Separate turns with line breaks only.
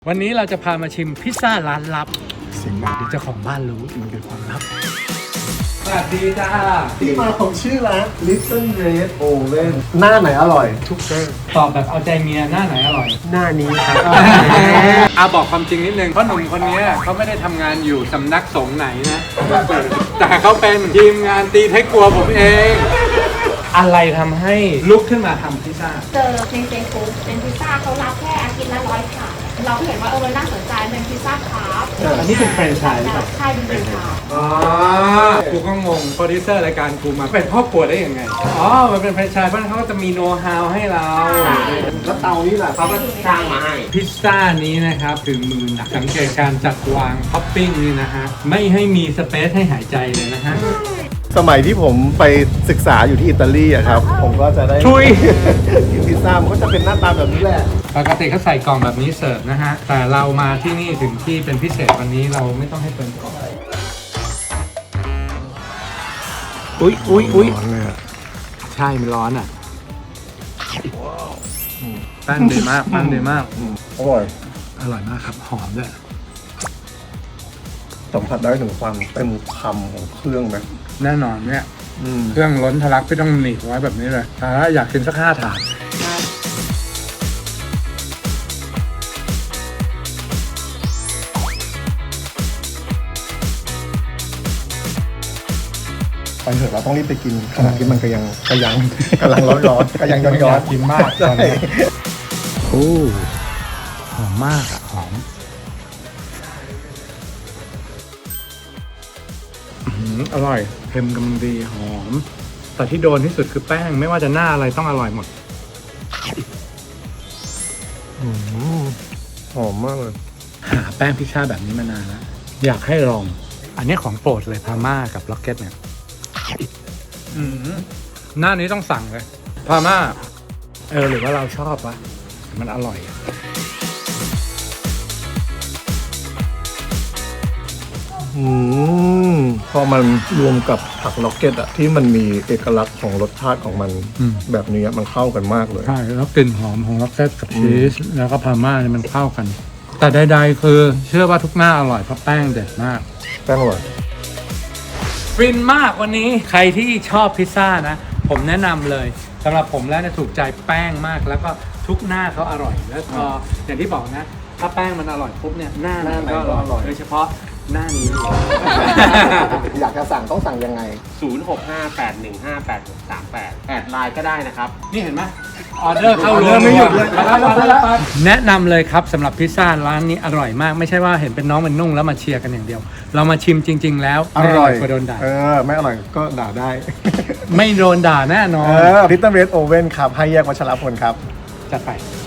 วันนี้เราจะพามาชิมพิซซ่าร้านลับ
สิ่งไหน
เดี๋ยวเจ้าของบ้านรู้มันเป็นความลับสวัสดีจ้า
ที่มาของชื่อร้าน Little Red Oven หน้าไหนอร่อย
ทุกเรื่องตอบแบบเอาใจเมียหน้าไหนอร่อย
หน้านี้ครับ
อาบอกความจริงนิดนึงเพราะหนุ่มคนนี้เขาไม่ได้ทำงานอยู่สำนักสงฆ์ไหนนะ แต่เขาเป็นทีมงานตีไทยครัวผมเอง อะไรทำให้ลุกขึ้นมาทำพิซซ่า
เจอในเฟซบุ๊กเป็นพิซซ่าเขารับแค่อาทิตย์ละ100 ถาดเราเห็นว่ามันน่าสนใจเป็นพิซซ่าคาร์บ
อันนี้เป็นแฟรนไชส์หรือเปล่า
ใช่เป็นพิซซ่า
อ๋อกูก็งงโปรดิวเซอร์รายการกูมาเป็นพ่อครัวได้ยังไง อ๋อ มันเป็นแฟรนไชส์เพราะฉะนั้นเขาก็จะมีโน้ตฮาวให้เรา
แล้วเตานี่แหละเขาก็สร้างมาให้
พิซซ่านี้นะครับถึงมือหนักสังเกตการจัดวางท็อปปิ้งนี่นะฮะ ไม่ให้มีสเปซให้หายใจเลยนะฮะ
สมัยที่ผมไปศึกษาอยู่ที่อิตาลีอะครับ ผมก็จะได้
ชุย
กินพิซซ่ามันก็จะเป็นหน้าตาแบบนี้แหละ
ปกติเขาใส่กล่องแบบนี้เสิร์ฟนะฮะ แต่เรามาที่นี่ถึงที่เป็นพิเศษวันนี้เราไม่ต้องให้เปิดกล่อง
อุ้ยร้อนเลยอะ
ใช่มันร้อนอ่ะแป้งดีมากแป้งดีมาก
อร่อย
อร่อยมากครับ หอมด้วย
สัมผัสได้ถึงความเต็มคำของเครื่องไหม
แน่นอนเนี่ย
อืม
เครื่องล้นทะลักพี่ต้องหนีบไว้แบบนี้เลยแต่ถ้าอยากกินสัก5 ถาด
ไปเถอะเราต้องรีบไปกินขณะที่มันกำลังกำลังร้อนๆกำลังย้อน
อยากกินมากตอนนี้
ใช่
โอ้หอมมากอ่ะ หอมอร่อยเค็มกำลังดีหอม แต่ที่โดนที่สุดคือแป้งไม่ว่าจะหน้าอะไรต้องอร่อยหมด
อืมหอมมากเลย
หาแป้งพิซซ่าแบบนี้มานานแล้วอยากให้ลอง อันนี้ของโปรดเลยพาม่ากับล็อกเก็ตเนี่ยหน้านี้ต้องสั่งเลยพาม่าหรือว่าเราชอบวะมันอร่อยอะ
พอมันรวมกับผักล็อกเก็ตอะที่มันมีเอกลักษณ์ของรสชาติของมันแบบนี้มันเข้ากันมากเลย
ใช่แล้วกลิ่นหอมของล็อกเก็ตกับชีสแล้วก็พาม่าเนี่ยมันเข้ากัน แต่ใดๆคือเชื่อว่าทุกหน้าอร่อยเพราะแป้งเด็ดมาก
แป้งอร่อย
ฟินมากวันนี้ใครที่ชอบพิซซ่านะ ผมแนะนำเลยสำหรับผมแล้วเนี่ยถูกใจแป้งมากแล้วก็ทุกหน้าเขาอร่อยแล้วพออย่างที่บอกนะ ถ้าแป้งมันอร่อยปุ๊บเนี่ยหน้าไหนก็อร่อยโดยเฉพาะหน้านี้
อยากจะสั่งต้องสั่งยังไง
0658158638 แอดไลน์ก็ได้นะครับ
นี่เห็นไหมออเดอร์เข้า
ออเดอร์ไม่หยุดเลย
แนะนำเลยครับสำหรับพิซซ่าร้านนี้อร่อยมากไม่ใช่ว่าเห็นเป็นน้องเป็นนุ่งแล้วมาเชียร์กันอย่างเดียว เรามาชิมจริง ๆ แล้ว
อร่อย
ไม่โดนด่า
ไม่อร่อยก็ด่าได้
ไม่โดนด่าแน่นอน
Little Red Oven ครับให้แยกวัชรพลครับ
จัดไป